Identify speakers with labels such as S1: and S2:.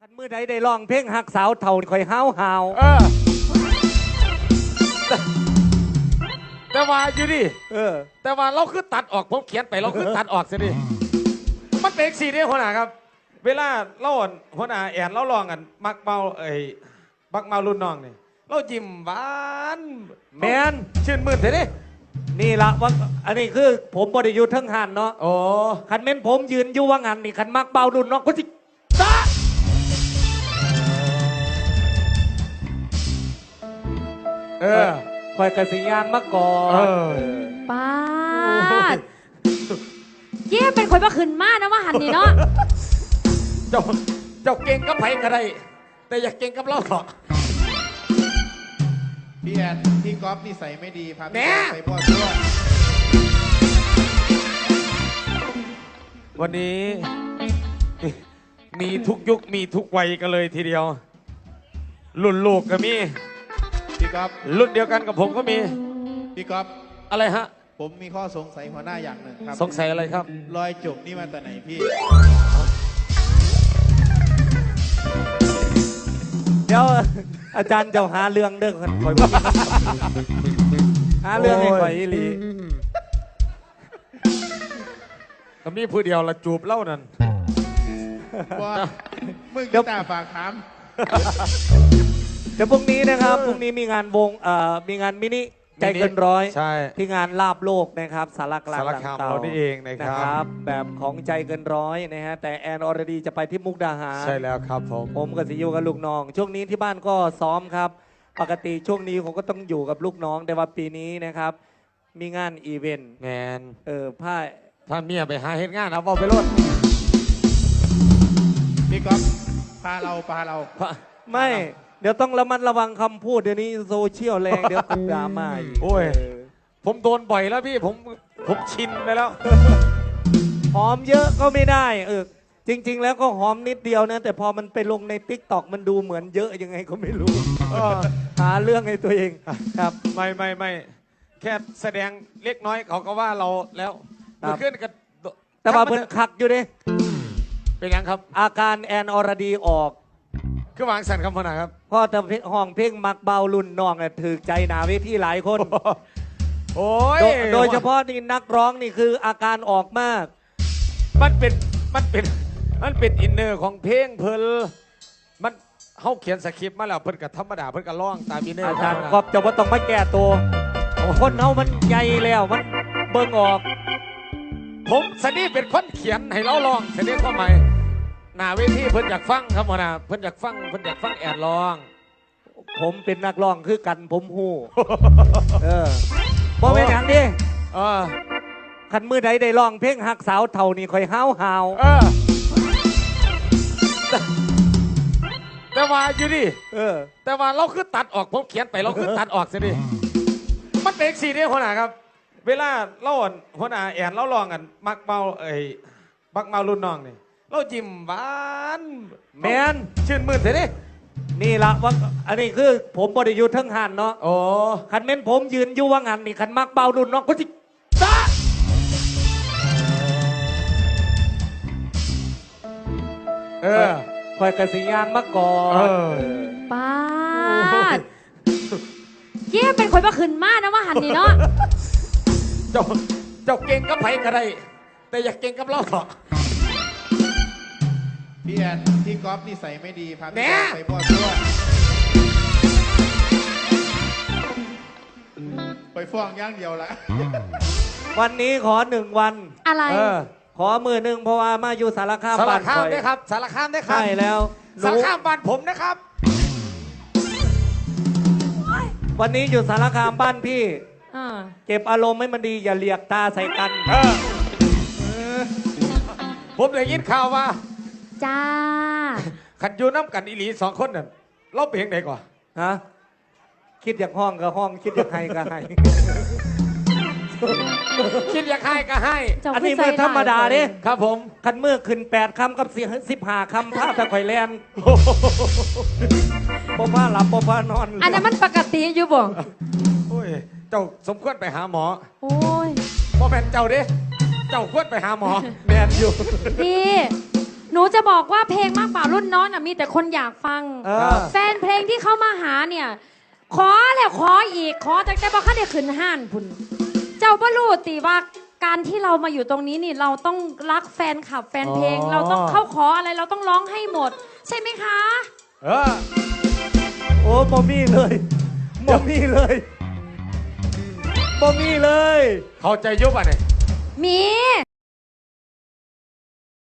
S1: คันมือใดได้ร้องเพลงหักสาวเท่าคอยห้าวหาว
S2: แต่ว่าอยู่ดิแต่ว่าเราคือตัดออกผมเขียนไปเราคือตัดออกสิดิมันเป็นสีเดียวหัวหน้าครับเวลาเราหัวหน้าแอนเราลองกันมักเมาบักเมารุ่นน้องนี่เรายิ้มหวาน
S1: แมน
S2: ชื่นมื่นเถอะดิ
S1: นี่ละว่าอันนี้คือผมบริยุทธ์ทั้งหันเนาะ
S2: โอ้
S1: คันเม้นผมยืนอยู่ว่างานนี่คันมักเบารุ่นน้องก็สิตาคอยกระสียางมาก่อน
S3: ป้าเย่เป็นคนมาขึ้นมานะว่าหันนี่เนาะ
S2: เจ้าเก่งกับไผก็ได้แต่อยากเก่งกับเราเถอะ
S4: พี่แอนพี่ก๊อฟนิสัยไม่ดีพาพี่ไปพ่อชั่ว
S2: วันนี้มีทุกยุคมีทุกวัยกันเลยทีเดียวรุ่นลูกก็มี
S4: พี่ก๊อฟ
S2: รุ่นเดียวกันกับผมก็มี
S4: พี่ก๊อฟ
S2: อะไรฮะ
S4: ผมมีข้อสงสัยหัวหน้าอย่างหนึ่งครับ
S2: สงสัยอะไรครับ
S4: รอยจุกนี่มาแต่ไหนพี่
S1: เดี๋ยวอาจารย์จะหาเรื่องเด้อคอยหาเรื่องให้คอยอีหลี
S2: ก็มีผู้เดียวละจูบเล่านั่น
S4: ว่ามึงจะตาฝากถาม
S1: เดี๋ยวพรุ่งนี้นะครับพรุ่งนี้มีงานวงมีงานมินิใจเกินร้อยที่งานลาบโลกนะครับสารกลาง
S2: เรานี่เองนะครับ
S1: แบบของใจเกินร้อยนะฮะแต่แอนอรดีจะไปที่มุกดาหาร
S2: ใช่แล้วครับ
S1: ผมกับสิยูกับลูกน้องช่วงนี้ที่บ้านก็ซ้อมครับปกติช่วงนี้ผมก็ต้องอยู่กับลูกน้องแต่ว่าปีนี้นะครับมีงานอีเวนต์
S2: แมน
S1: ผ้า
S2: เมียไปหาเฮ็ดงานเอาบอไปรถ
S4: พี่ก๊อฟพาเรา
S1: ไม่เดี๋ยวต้องระมัดระวังคำพูดเดี๋ยวนี้โซเชียลแรงเดี๋ยวดราม่าอีก
S2: โอ้ยผมโดนบ่อยแล้วพี่ผมชินไปแล้ว
S1: หอมเยอะก็ไม่ได้จริงๆแล้วก็หอมนิดเดียวนะแต่พอมันไปลงในติ๊กต็อกมันดูเหมือนเยอะยังไงก็ไม่รู้หาเรื่องให้ตัวเองครับ
S2: ไม่แค่แสดงเล็กน้อยเขาก็ว่าเราแล้วขึ้นกัน
S1: แต่ว่าเพิ่นขักอยู่ดิ
S2: เป็นยังครับ
S1: อาการแอนอรดีออก
S2: คือวางสันคำพนาครับ
S1: พ่อแต่ห้องเพลงมักเบารุ่นน้องถือใจหนาเวทีหลายคน
S2: โอ้ย
S1: โดยเฉพาะนี่นักร้องนี่คืออาการออกมาก
S2: มันเป็นอินเนอร์ของเพลงเพลมันเขาเขียนสคริปต์มาแล้วเพิ่นกับธรรมดาเพิ่นกับร้องตามอินเนอร์
S1: อาจารย์ก็จะว่าต้องมาแก้ตัวคนเขามันใหญ่แล้วมันเบิ่งออก
S2: ผมสนี่เป็นคนเขียนให้เราร้องสนี่ความหมายหน้าเวทีเพิ่นอยากฟังครับหัวหน้าเพิ่นอยากฟังแอนร้อง
S1: ผมเป็นนักร้องคือกันผมฮู้บ่เป็นอย่างนี้คันมือใดได้ร้องเพลงหักสาวเท่านี่คอยห้าวหาว
S2: แต่ว่าอยู่ดิแต่ว่าเราคือตัดออกผมเขียนไปเราคือตัดออกสิดิมันเป็นสีเดียวหัวหน้าครับเวลาเราหัวหน้าแอนเราลองกันมักเมาบักเมารุ่นน้องนี่เรายิ้มหวาน
S1: แมน
S2: ชื่นมื่นเถอะดิ
S1: นี่ละว่าอันนี้คือผมบริยุทธ์ทั้งหันเนาะ
S2: โอ้
S1: คันเม้นผมยืนอยู่ว่างานนี่คันมักเบารุ่นน้องก็สิตาคอยกระสียางมาก่อน
S3: ป้าเย่เป็นคนมาขึ้นมานะว่าหันนี่เนาะ
S2: เจ้าเก่งกับไผก็ได้แต่อยากเก่งกับเราเถอะ
S4: พี่แอนพี่ก๊อฟนิสัยไม่ดีพาพี่ไปพ่อชั่วไปฟ้องย่างเดียวละ
S1: วันนี้ขอ1 วัน
S3: อะไร
S1: ขอมือ1เพราะว่ามาอยู่สารคาม
S2: บ้านได้ครับสารคามได้ครับ
S1: ใช่แล้ว
S2: สารคามบ้านผมนะครับ
S1: วันนี้อยู่สารคามบ้านพี่เก็บอารมณ์ให้มันดีอย่าเลียกตาใส่กัน
S2: ผมได้ยินข่าวว่า
S3: จ้า
S2: ขันยูน้ำกันอีหลี2 คนนั่นเราเปลี่ยนไหนก่อน
S1: คิดอยากห้องก็ห้องคิดอยากให้ก็ให้
S2: คิดอยากให้ก็ให้
S1: อันนี้มือธรรมดาดิ
S2: ครับผม
S1: ขันมือขึ้น8 คำกับ15 คำผ้าตะไคร่แลนบ่ผ้าหลับบ่ผ้านอน
S3: อันนั้นมันปกติอยู่บ่
S2: โอ้ยเจ้าสมควรไปหาหมอ
S3: โอ้ย
S2: พ่อแม่เจ้าดิเจ้าควรไปหาหมอ
S1: แมนอยู่
S3: พี่หนูจะบอกว่าเพลงมากกว่ารุ่นน้องน่ะมีแต่คนอยากฟัง
S1: เออ
S3: แฟนเพลงที่เขามาหาเนี่ย ขอแล้วขออีกขอแต่บอกเขาได้ขึ้นห้านพุ่นเจ้าบ่รู้ติว่าการที่เรามาอยู่ตรงนี้นี่เราต้องรักแฟนคลับแฟนเพลง
S1: อ๋อ
S3: เราต้องเข้าขออะไรเราต้องร้องให้หมด ใช่ไหมคะ
S2: เออ
S1: โอ้บอมี่เลยบอมี่เลยบอมี่เลย
S2: เข้าใจยุบอ่ะเนี่ย
S3: มี